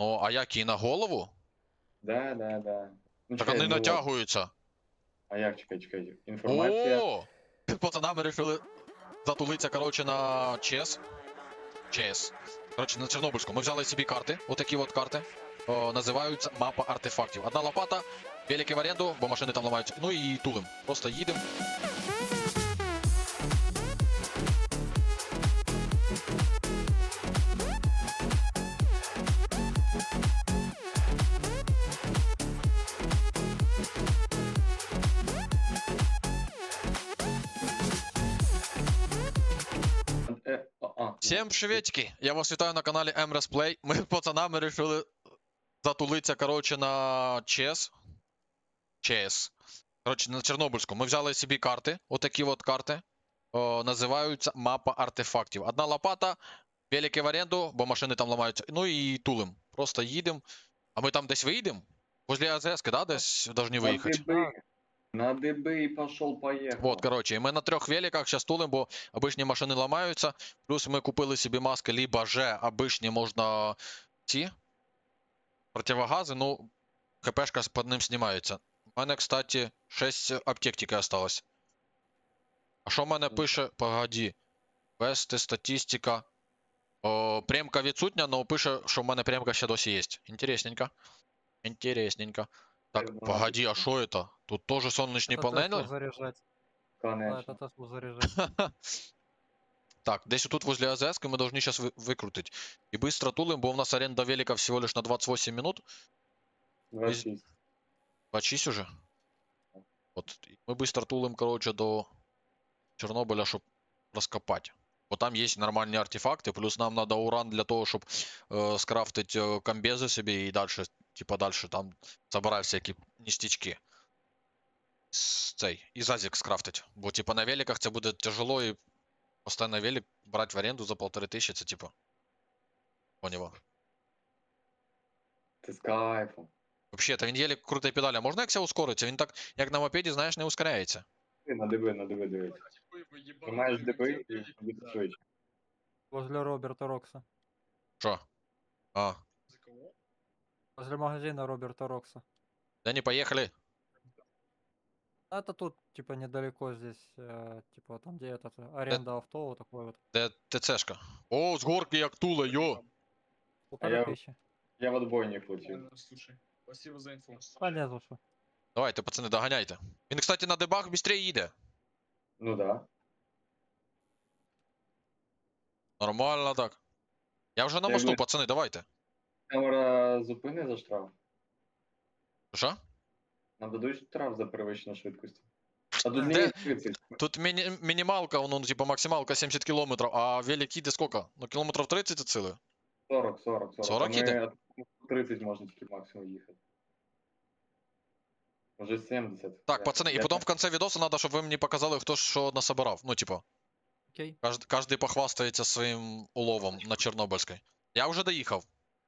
Ну, а як і на голову? Да. Ну Так чекай, вони ну от. натягуються. А як, чекай. Інформація. О! Пацанами вирішили затулитися, коротше, на ЧС. ЧС. Коротше, на Чорнобильську. Ми взяли собі карти, отакі от карти. Називаються мапа артефактів. Одна лопата, велики в оренду, бо машини там ламаються. Ну і тулим. Просто їдемо. Всем приветики! Я вас вітаю на каналі MRS Play. Ми з пацанами вирішили затулитися, коротше, на ЧС. Коротше, на Чорнобильську. Ми взяли собі карти, отакі от карти. Називаються мапа артефактів. Одна лопата, велики в оренду, бо машини там ламаються. Ну і тулим. Просто їдемо. А ми там десь виїдемо? Возле АЗС, да, десь должны виїхати? На дыбы и пошел-поехал. Вот, короче, мы на 3 великах сейчас тулим, бо обычные машины ломаются. Плюс мы купили себе маски, либо же обычные можно ці противогази, ну, ХПшка под ним знімається. У мене, кстати, 6 аптек тільки осталось. А що в мене пише? Погоді. Вести, статистика. Премка відсутня, но пише, що в мене премка ще досі є. Інтересненько. Інтересненько. Так, погоді, а що це? Тут теж сонячні панелі? Заряжать. Да, Конечно. это Теслу заряжать. Так, десь тут возле АЗС мы должны сейчас выкрутить. И быстро тулим, бо у нас аренда велика всего лишь на 28 минут. 26. 26 уже. Вот. И мы быстро тулим, короче, до Чернобыля, чтобы раскопать. Вот там есть нормальные артефакты, плюс нам надо уран для того, чтобы скрафтить комбезы себе и дальше, типа дальше там собирать всякие ништячки. Цей. И зазик скрафтить. Бо типа на великах это будет тяжело и постоянно велик брать в аренду за 1500, це типа. Поняла. Ти з кайфом. Вообще, та він єлі крутий педалі. А можна як ся ускориться? Він так, як на мопеді, знаєш, не ускоряється. Ти на диби, дивись. Тримаєш диби і буде швидше. Возле Роберта Рокса. Що? А, Возле магазина Роберта Рокса. да не поїхали. А это тут, типа, недалеко здесь, типа, там, где этот, аренда авто, вот такой вот. Де ТЦшка? О, з горки як тула, йо! я- 1500. Я в отбойник летів. Слушай, спасибо за инфу. Понятно, что. Давайте, пацани, доганяйте. Він, кстати, на дебаг швидше їде. Ну да. Нормально так. Я вже на Я мосту, би- пацани, давайте. Камера зупини за штраф. Що? Нам дадуть штраф за перевищення швидкості. А тут Де? не 30. Тут мінімалка, ну, типа максималка 70 кілометрів, а велик їде скільки? Ну, кілометрів 30 це ціле. 40. 40 А іде? ми 30 можна тільки максимум їхати. Може 70. Так, пацани, і потім в кінці відосу треба, щоб ви мені показали, хто що насобирав. Ну, типа, Окей. кожен похвастається своїм уловом на Чорнобильській. Я вже доїхав.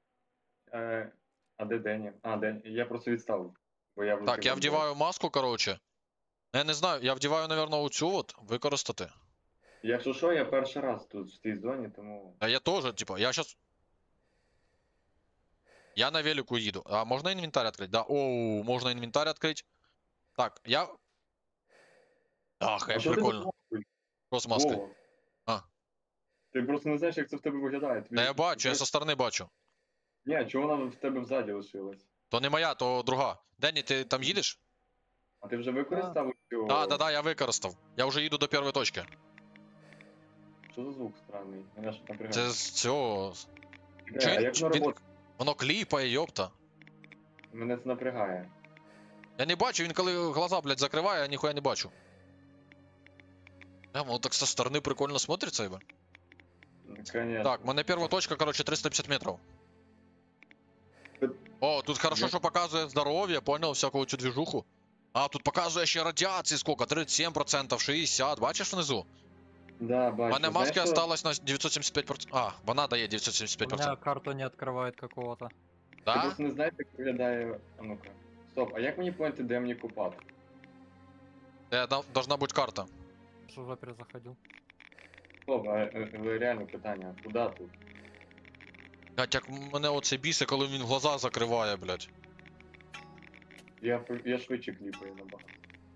А де Дені? А, Дені. Я просто відставив. Бо я Так, я вдіваю маску, коротше. Я не знаю, я вдіваю, напевно, оцю от, використати. Якщо що, я перший раз тут в цій зоні, тому. А я теж, типа, я щас... Я на велику їду. А можна інвентар відкрити? Да, оу, можна інвентар відкрити. Так, я... Ах, як що ти прикольно. тут? Що з маскою? Вова, А. Ти просто не знаєш, як це в тебе виглядає. Та я бачу, я со сторони бачу. Ні, чого вона в тебе взаді лишилась? То не моя, то друга. Денні, ти там їдеш? А ти вже використав цю. Да, я використав. Я вже їду до першої точки. Що за звук странний? Мене ж напрягає. Це з цього... А як на роботу? Воно кліпає, йопта. Мене це напрягає. Я не бачу, він коли глаза, блядь, закриває, я ніхуя не бачу. Воно так со сторони прикольно смотриться, ебо. Конечно. Так, у мене перша точка, короче, 350 метрів. Тут- О, тут хорошо, що показує здоров'я, понял, всяку цю движуху. А, тут показує ще радіації сколько, 37%, 60%, бачиш внизу? Да, У бачу. мене Знаєш, маски що? осталось на 975%. А, вона дає У 975%. меня карту не открывает какого-то. Ти Да? просто не знаєш, як виглядає. А ну-ка. Стоп, а як мені поняти, де мені купати? Должна бути карта. Уже уже перезаходил. Стоп, реально питання, куди тут? Блять, як мене оце бісе, коли він глаза закриває, блять. Я швидше кліпаю набагато.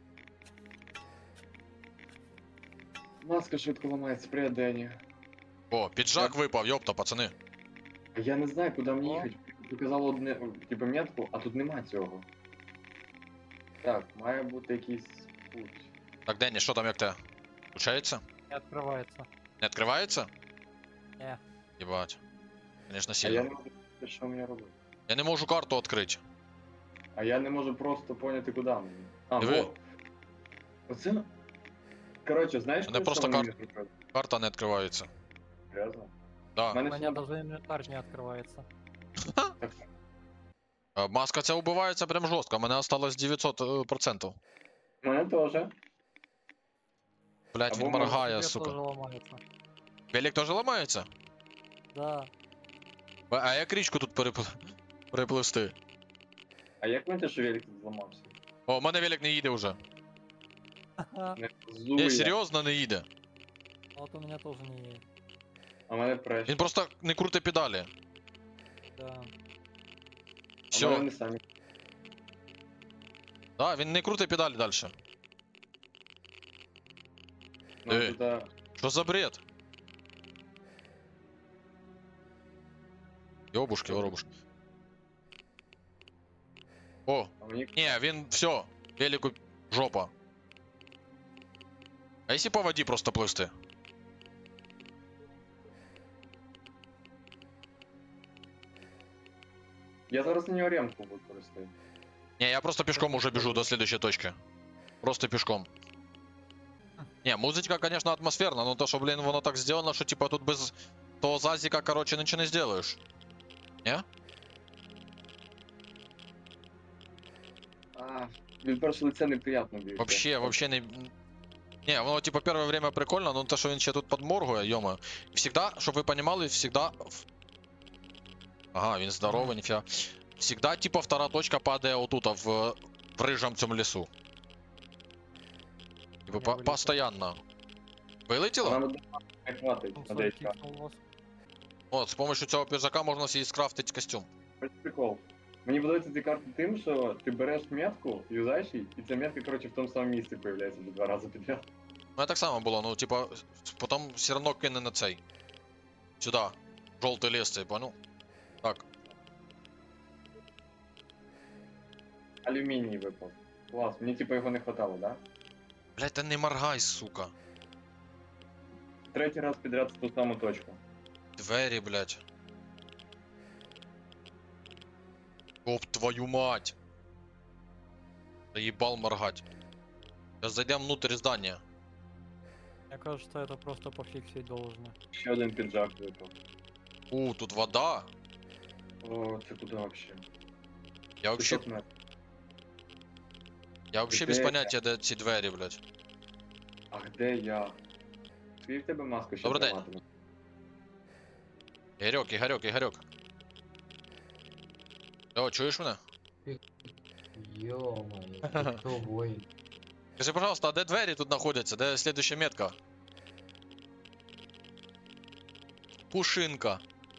Маска швидко ламається, привіт, Дені. О, піджак випав, йопта, пацани. А я не знаю, куди мені О. їхати. Показало одне, типу, метку, а тут нема цього. Так, має бути якийсь путь. Так, Денні, що там як те? Включається? Не открывается. Не відкривається? Не. Єбать. Конечно, А сильно. я не можу, що мені робити. Я не можу карту відкрити. А я не можу просто поняти, куди мені. А, Диви. вот. Оце. Коротше, знаєш, Мене коли просто що мені зробили? Карта не відкривається. Серйозно? Да. У мене У все меня даже инвентарь не открывается. так. Маска ця убивається прям жорстко, мене осталось 900%. У мене теж. Блять, Або він може моргає, Тебе сука. тоже ломается. Велик теж ламається? Да. А як річку тут перепливсти? А як мені що велик тут зламався? О, у мене велик не їде вже. Ха-ха. Не Ні, зує. серйозно не їде. Вот у меня тоже не едет. А в мене преш. Він просто не крутить педалі. Да. А в мене Все. вони самі. Да, він не крутить педалі далі. Ну, Диви. туди... Що за бред? Йобушки, воробушки. О, А мені... ні, він все, велику жопа. А якщо по воді просто пливсти? Я зараз на нього ремку буду користувати. Не, я просто пешком уже бежу до следующей точки. Просто пешком. Не, музычка, конечно, атмосферна, но то, что, блин, воно так сделано, что типа тут без того зазика, короче, ничего не сделаешь. Не? А, від першого лиця неприятно б'ється. Вообще не... Не, воно типа первое время прикольно, но то, что він ще тут подморгує, йома. Всегда, чтобы вы понимали, всегда... Ага, він здоровый, нифига. Всегда, типа, вторая точка падает вот тут, в рыжем цьому лесу. Типа, Не вилетіло. постоянно. Вилетіло? Нам не хватить Ну, на свой деякі. кикнул вас. От, з помощью цього піжака можна собі скрафтити костюм. Ось прикол. Мені подобається ці карти тим, що ти береш метку, юзаєш її, і ця метка, коротше, в тому самому місці появляється 2 рази підряд. У мене так само було, ну, типа, потім все одно кине на цей. Сюди. Жовтий ліс цей, понял? Так. Алюміній випав. Клас, мені типу його не хватало, да? Блять, та не моргай, сука. Третій раз підряд в ту саму точку. Двері, блять. Оп, твою мать. Заебал моргать. Сейчас зайдем внутрь здания. Мне кажется, это просто пофиксить должно. Ще один піджак випав. Тут вода. О, це куди вообще? Я вообще, 500 метрів. я вообще Де без я? поняття, де ці двері, блять. А де я? Твій в тебе маска ще Добрий день. триматиме. Ігорьок, Ігорьок, Ігорьок. О, чуєш мене? Ё-моё, ты кто воин? Скажи, пожалуйста, а де двері тут знаходяться? Де слідуща метка? Пушинка.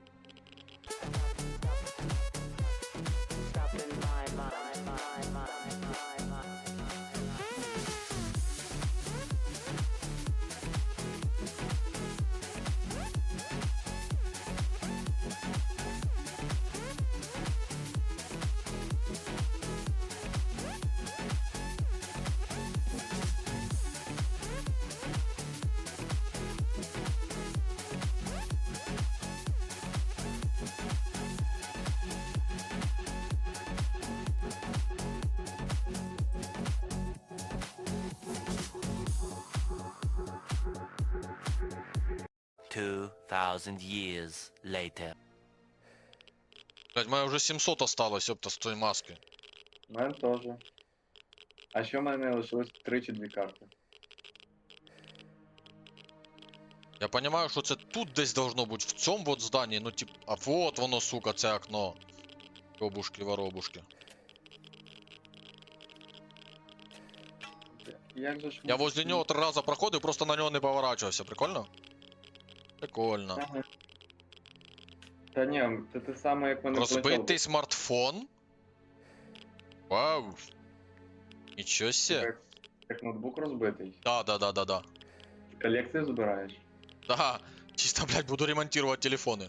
Two thousand years later. Блять, мене вже 700 осталось, ёпта, з тої маски. У мене теж. А ще в мене лишилось 3 чи 2 карти. Я понимаю, що це тут десь должно бути, в цьому вот зданні, ну тип, а вот воно, сука, це окно. Йобушки, воробушки. Як же ж Я ми- возле нього 3 рази проходив, просто на нього не поворачувався, прикольно? Прикольно. Ага. Та ні, це те саме, як мене Розбитий смартфон? Вау. Нічого сє. Як ноутбук розбитий. Да. Колекцію збираєш? Да. Чисто, блядь, буду ремонтировать телефоны.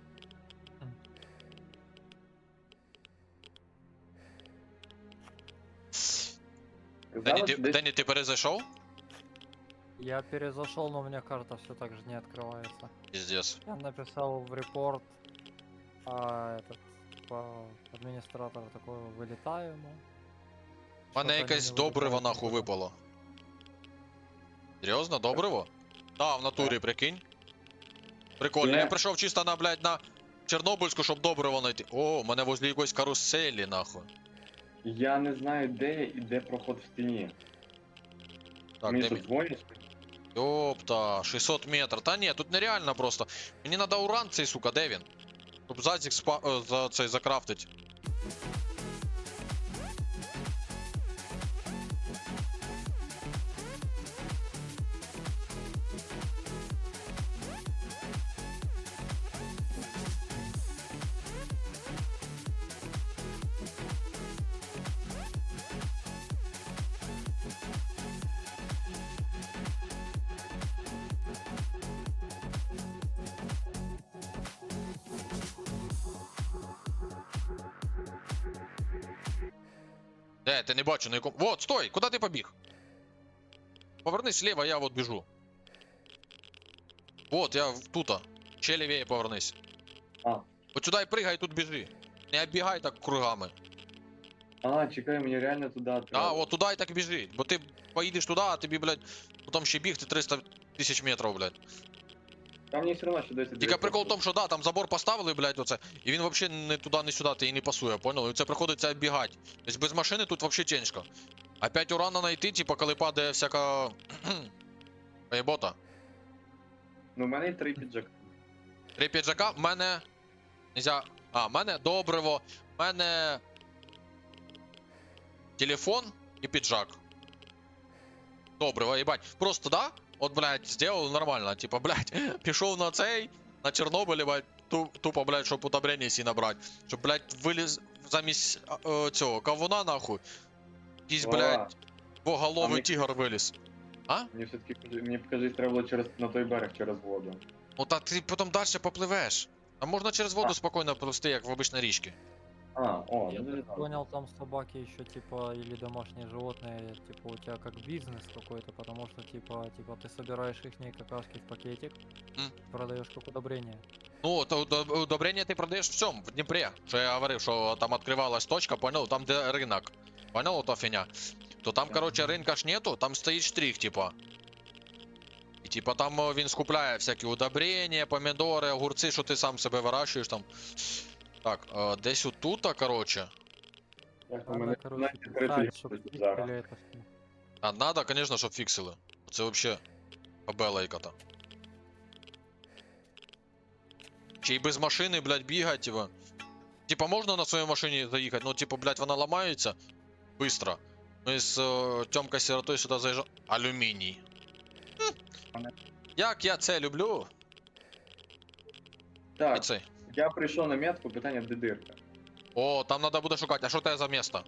Казали, що десь... Дені, ти перезайшов? Я перезашел, но у меня карта все так же не открывается. Пиздец. Я написал в репорт, а этот, типа, администратор такой, вылетаємо. У мене якесь добриво нахуй випало. Серйозно, добриво? Да, в натурі, прикинь. Прикольно, я прийшов чисто на, блядь, на Чорнобильську, щоб добриво знайти. О, у мене возле якоїсь каруселі, нахуй. Я не знаю, де я і де проход в стіні. Так, Мені де що, мій? дзвонять? Ёпта, 600 метрів. Та ні, тут нереально просто. Мені надо уран цей, сука, де він? Щоб зазік за цей закрафтить. Де, ти не бачу на якому. Вот, стой! Куди ти побіг? Повернись слева, я вот біжу. Вот, я тута. Ще лівее повернись. А. От сюди і пригай, тут біжи. Не оббігай так кругами. А, чекай, мені реально туди треба. А, от туди і так біжи. Бо ти поїдеш туди, а тобі, блядь, потім ще бігти 300 тисяч метрів, блядь. Там мені все одно ще досі... Тільки прикол в тому, що да, там забор поставили, блядь, оце, і він взагалі не туди, не сюди, ти і не пасує, понял? І це приходиться оббігати. Тобто без машини тут взагалі тяжко. Опять урана знайти, типа, коли падає всяка... Поєбота. Ну, в мене є 3 піджака. 3 піджака, в мене... Нельзя... А, в мене добриво, в мене... Телефон і піджак. Добриво, їбать. Просто, да? От, блядь, сделал нормально. Типа, блядь, пішов на цей, на Чорнобилі, блядь, тупо, блядь, щоб удобрення сі набрати. Щоб, блядь, виліз замість цього кавуна, нахуй. Якийсь, блядь, двоголовий мені- тігр виліз. Мені все-таки, мені покажись, треба було на той берег через воду. Ну та ти потім далі попливеш. А можна через воду А. спокійно плисти, як в обичній річці. А, о, Я ну, так да. понял, там собаки еще типа или домашние животные, типа у тебя как бизнес какой-то, потому что типа ты собираешь их какашки в пакетик, М. продаешь как удобрение. Ну, то удобрення ти продаєш в цьому, в Дніпрі. Що я говорив, що там відкривалась точка, понял, там де ринок. Понял, та фігня? То там, короче, ринка ж нету, там стоїть штрих, типа. І типа там він скупляє всякі удобрення, помідори, огурці, що ти сам себе вирощуєш там. Так, десь отут, короче. Так, у Надо, мене короче, 15-30 писать, чтоб гривень фиксили зараз. это всё. А надо, конечно, щоб фіксили. Це вообще побелайка-то. Чи й без машини, блядь, бігать, типа. Типа можна на своїй машині заїхати, ну типа, блядь, вона ламається. Быстро. Ми з Тьомкою Сиротою сюди заїжджаємо. Алюміній. Як я це люблю? І Так, цей. я прийшов на метку, питання, де дирка? О, там треба буде шукати. А що це за місто?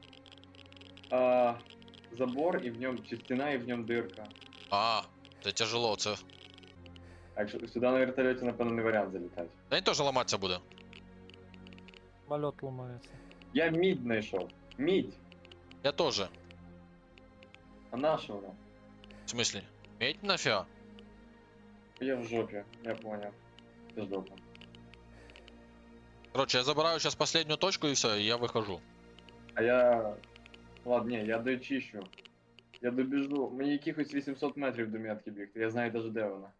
Забор, і в ньому, чи стіна, і в ньому дирка. А, це тяжело, це. А якщо сюди на вертольоті, напевно, не варіант залітати. Та він теж ламатися буде. Самолет ломается. Я мідь знайшов. Мідь! Я теж. А на що вона? В смислі? Медь нафіга? Я в жопі, я поняв. Це жопа. Короче, я забираю сейчас последнюю точку и все, и я выхожу. А я... Ладно, ні, я дочищу. Я добіжу. Мені якихось 800 метрів до метки бігти. Я знаю даже де вона.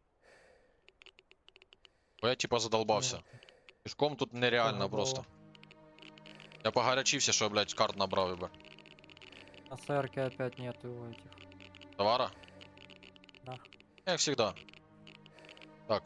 Бо я типа задолбався. Пішком тут нереально Ага, просто. Я погорячився, що, блядь, карт набрав, ебе. На СРК опять нету этих. Товара? Да. Як всегда. Так.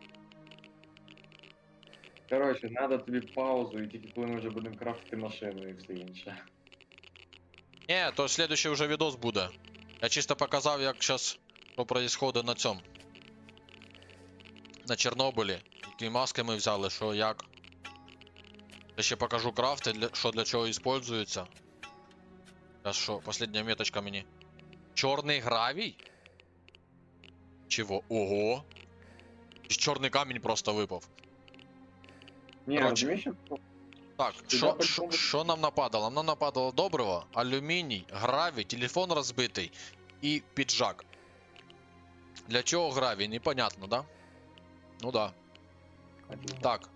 Коротше, треба тобі паузу, і тільки коли ми вже будемо крафтити машину і все інше. Не, то следующий уже відос буде. Я чисто показав, як зараз що происходит на цьому. На Чорнобилі. Які маски ми взяли, що як. Я ще покажу крафти, що для чого використовуються. Зараз що, остання меточка мені. Чорний гравій? Чого? Ого! І чорний камінь просто випав. Ні, Короче. розумієш, що Так, Сюди що, по-любому- що нам нападало? Нам нападало добриво, алюміній, гравій, телефон розбитий і піджак. Для чого гравій? Непонятно, да? Ну да. Так.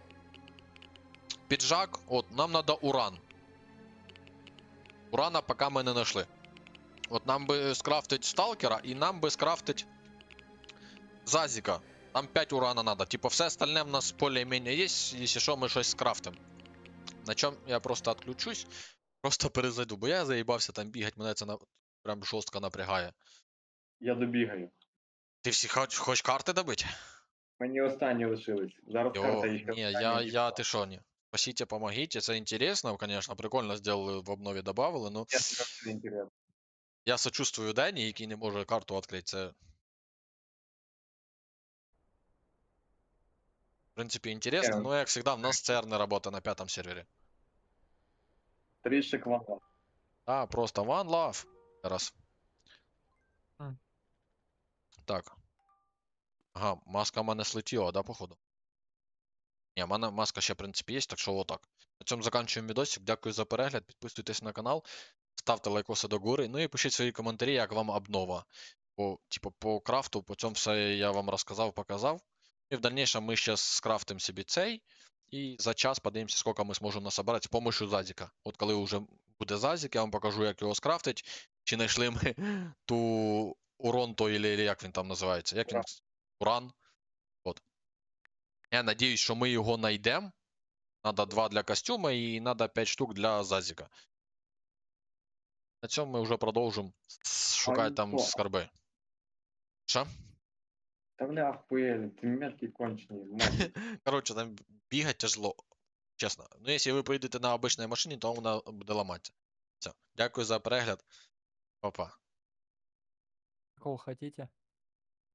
Піджак, от, нам надо уран. Урана поки ми не знайшли. От нам би скрафтить сталкера і нам би скрафтить зазіка. Нам 5 урана надо. Типа все остальне в нас более-менее є, якщо що, ми щось скрафтим. На чому я просто отключусь, просто перезайду, бо я заїбався там бігати, мене це прям жорстко напрягає. я добігаю. Ти всі хочеш карти добити? Мені останні лишились. Зараз карта Йо, і ще ні, остання я, ти що, ні. Спасите, помогите, це інтересно, конечно, прикольно зробили, в обнові добавили, ну, Це інтересно. я сочувствую Дені, який не може карту відкрити, це... В принципі, інтересно, Ні. но, як завжди, в нас ЦР не працює на 5-му сервері. Трішек вага. А, просто one love. Раз. М. Так. Ага, маска в мене слетіла, да, походу? Ні, в мене маска ще, в принципі, є, так що отак. На цьому закінчуємо відосик. Дякую за перегляд. Підписуйтесь на канал, ставте лайкоси до гори, ну і пишіть свої коментарі, як вам обнова. Типу, по крафту, по цьому все я вам розказав, показав. І в дальнейшем ми ще скрафтимо собі цей. І за час подивимося, скільки ми зможемо насобирати з допомогою Зазіка. От коли вже буде Зазік, я вам покажу, як його скрафтить. Чи знайшли ми ту урон той, или як він там називається. Як він? Уран. От. Я надіюсь, що ми його знайдемо. Надо 2 для костюма і надо 5 штук для Зазіка. На цьому ми вже продовжимо шукати там Антон. скарби. Що? Та вони ахпуєлі, ти метки кончені. мать. Коротше, там бігати тяжело. Чесно. Ну, якщо ви поїдете на обичній машині, то вона буде ламатися. Все. Дякую за перегляд. Па-па. Какого хотите?